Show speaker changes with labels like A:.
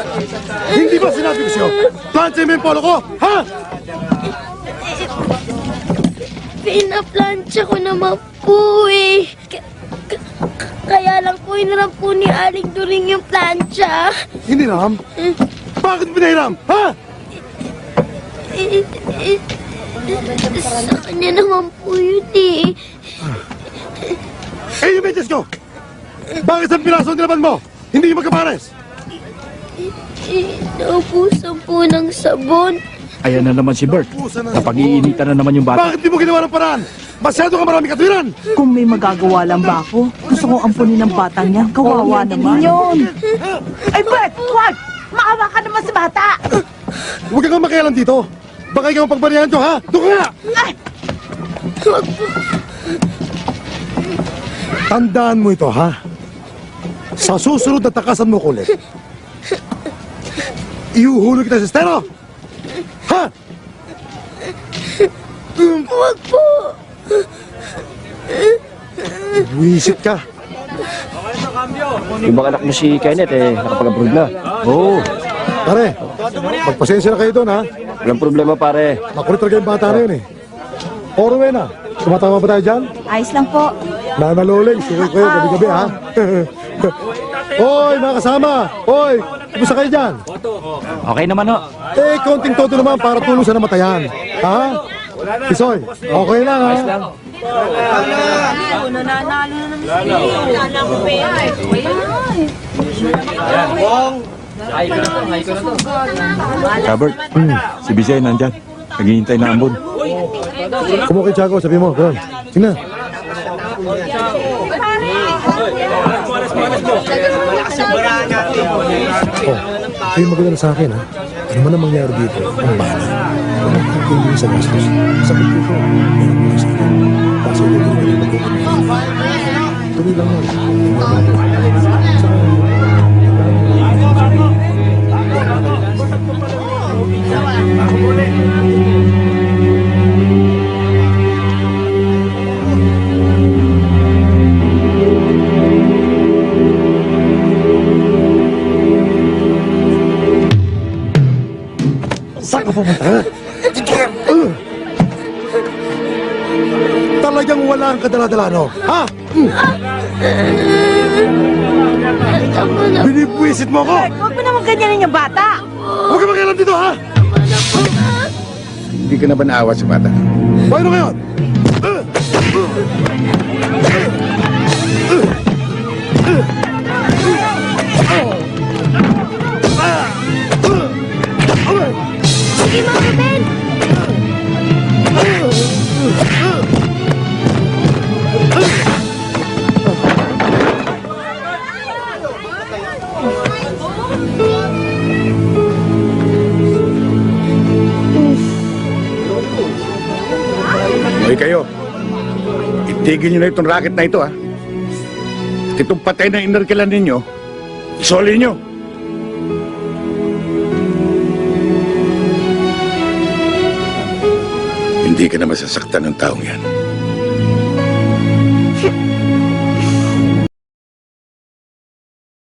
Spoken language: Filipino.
A: Hindi ba sinabi ko sa'yo? Plancha mo yung polo ko, ha?
B: Pinaplansya ko naman po eh. Kaya lang po hiniram po ni Aling During yung plancha.
A: Hindi ram? Bakit pinahiram, ha?
B: Sa kanya naman po yun eh.
A: Eh, yung medyas ko! Bakit sa piraso ang nilaban mo? Hindi magkapares!
B: Naubusan po ng sabon.
C: Ayan na naman si Bert. Napag-iinitan na naman yung bata.
A: Bakit di mo ginawa ng paraan? Masyado ka marami katwiran!
D: Kung may magagawa lang ba ako, gusto kong ampunin ng batang yan. Kawawa naman. Ay, Bert! Wag! Maawa ka naman sa bata!
A: Huwag kang makialam dito! Baka ikaw ang pagbarihan ko, ha? Doon ka nga!
D: Ay!
A: Tandaan mo ito, ha? Sa susunod na takasan mo ko ulit, iuhulog kita sa estero! Ha?
B: Huwag po.
A: Wisit ka.
C: Yung mga anak mo si Kenneth, nakapag-approve na. Oo,
A: Pare, magpasensya na kayo doon, ha?
C: walang problema pare.
A: Makulit talaga yung bata na yun, eh. Orwen, ha? Tumatama ba tayo dyan?
D: Ayos lang po.
A: Nanaloling, sukoy kayo gabi-gabi, ha? Hoy, mga kasama! Hoy, kumusta kayo dyan?
C: Okay naman ho.
A: Eh, konting toto naman para tulong sa namatayan. Ha? Isoy, okay lang, ha?
E: Robert, si Bisay nandyan. Naghihintay na ambon.
A: Kumuha kay Tiago, sabi mo, ganun. Sige na. Oh, kayo maganda sa akin, ha? Ano man ang mangyari dito, ang bala. Walang pagkuling sa gastos. Sa pagkuko, meron mo sa akin. Kasi ito yung magkukulit. Tuloy lang yan. Saan ka pumunta? Talagang wala ang kadala-dala, no? Ha? Binibwisit mo ko!
D: Huwag mo naman ganyanin yung bata.
A: Huwag ka makialam dito, ha?
E: Hindi ka na ba naawa sa bata?
A: Paano ngayon?
B: Sige, Mama Ben.
E: Hoy kayo, itigil nyo na itong racket na ito, ha? At itong patay na inarkilan ninyo, isoli nyo. Hindi ka na masasaktan ng taong yan.